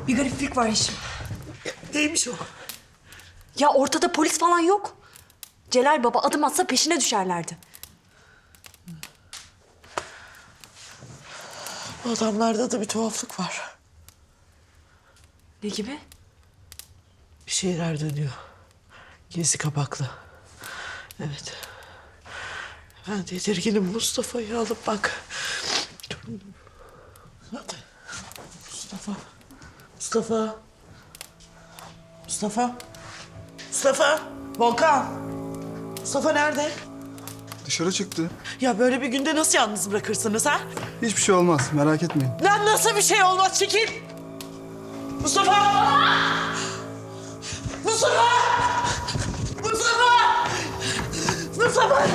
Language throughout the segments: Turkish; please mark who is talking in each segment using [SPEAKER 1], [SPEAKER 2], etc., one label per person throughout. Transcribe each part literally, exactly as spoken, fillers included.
[SPEAKER 1] Bir gariplik var Yeşim.
[SPEAKER 2] Neymiş o?
[SPEAKER 1] Ya ortada polis falan yok. Celal Baba adım atsa peşine düşerlerdi.
[SPEAKER 2] Bu adamlarda da bir tuhaflık var.
[SPEAKER 1] Ne gibi?
[SPEAKER 2] Bir şeyler dönüyor. Gezi kapaklı. Evet. Ben tedirginim. Mustafa'yı alıp bak. Hadi. Mustafa. Mustafa. Mustafa. Mustafa. Volkan. Mustafa nerede?
[SPEAKER 3] Dışarı çıktı.
[SPEAKER 2] Ya böyle bir günde nasıl yalnız bırakırsınız ha?
[SPEAKER 3] Hiçbir şey olmaz, merak etmeyin.
[SPEAKER 2] Lan nasıl bir şey olmaz? Çekil. Mustafa. Mustafa. Mustafa. Mustafa.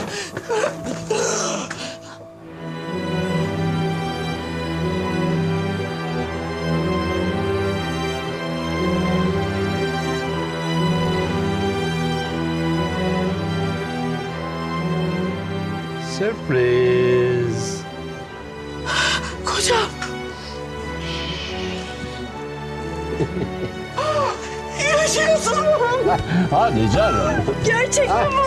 [SPEAKER 4] Sürpriz.
[SPEAKER 2] Kocam. Yaşıyorsun.
[SPEAKER 4] Hadi canım.
[SPEAKER 1] Gerçekten mi?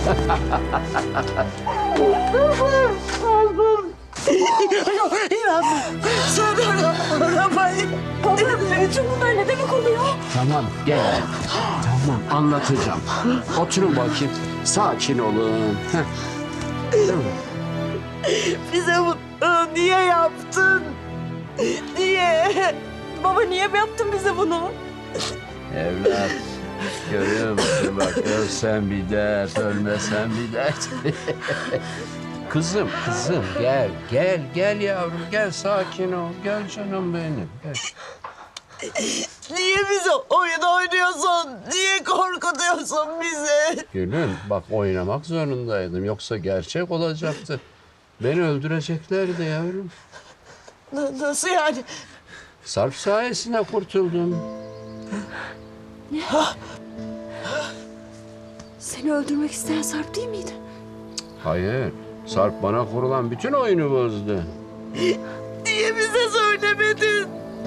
[SPEAKER 2] İnanmıyorum. Sonra arabayı.
[SPEAKER 1] Baba bütün bunlar ne demek oluyor?
[SPEAKER 4] Tamam gel. Tamam anlatacağım. Oturun bakayım. Sakin olun. Heh. Değil mi?
[SPEAKER 2] Bize bunu niye yaptın? Niye?
[SPEAKER 1] Baba niye yaptın bize bunu?
[SPEAKER 4] Evlat. Görüyor musun bak ölsen bir dert, ölmesen bir dert. Kızım, kızım gel, gel, gel yavrum, gel sakin ol. Gel canım benim, gel.
[SPEAKER 2] Niye bize oyun oynuyorsun? Niye korkutuyorsun bizi?
[SPEAKER 4] Gülüm, bak oynamak zorundaydım. Yoksa gerçek olacaktı. Beni öldüreceklerdi yavrum.
[SPEAKER 2] N- nasıl yani?
[SPEAKER 4] Sarp sayesinde kurtuldum.
[SPEAKER 1] Seni öldürmek isteyen Sarp değil miydi?
[SPEAKER 4] Hayır, Sarp bana kurulan bütün oyunu bozdu.
[SPEAKER 2] Niye bize söylemedin?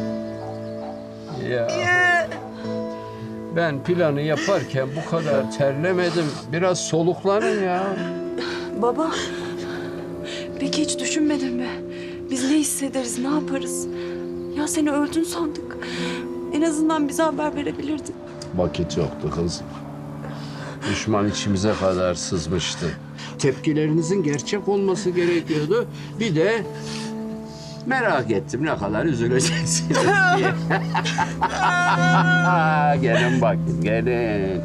[SPEAKER 4] Ya
[SPEAKER 2] Niye?
[SPEAKER 4] ben planı yaparken bu kadar terlemedim. Biraz soluklanın ya.
[SPEAKER 1] Baba, peki hiç düşünmedin mi? Biz ne hissederiz, ne yaparız? Ya seni öldün sandık. En azından bize haber verebilirdin.
[SPEAKER 4] Vakit yoktu kızım. Düşman içimize kadar sızmıştı. Tepkilerinizin gerçek olması gerekiyordu. Bir de merak ettim ne kadar üzüleceksiniz diye. Gelin bakın, gelin.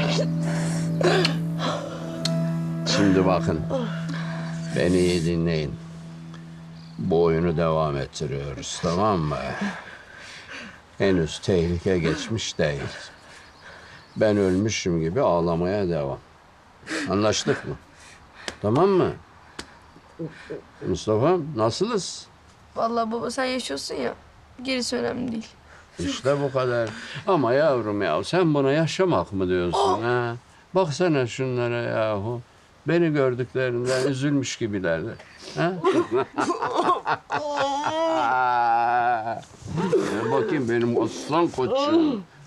[SPEAKER 4] Şimdi bakın. Beni iyi dinleyin. Bu oyunu devam ettiriyoruz, tamam mı? Henüz tehlike geçmiş değil. Ben ölmüşüm gibi ağlamaya devam. Anlaştık mı? Tamam mı? Mustafa, nasılız?
[SPEAKER 5] Vallahi baba sen yaşıyorsun ya. Gerisi önemli değil.
[SPEAKER 4] İşte bu kadar. Ama yavrum ya sen buna yaşamak mı diyorsun ha? Baksana şunlara yahu. Beni gördüklerinden üzülmüş gibilerdi. Ha? Gel bakayım benim aslan koçum.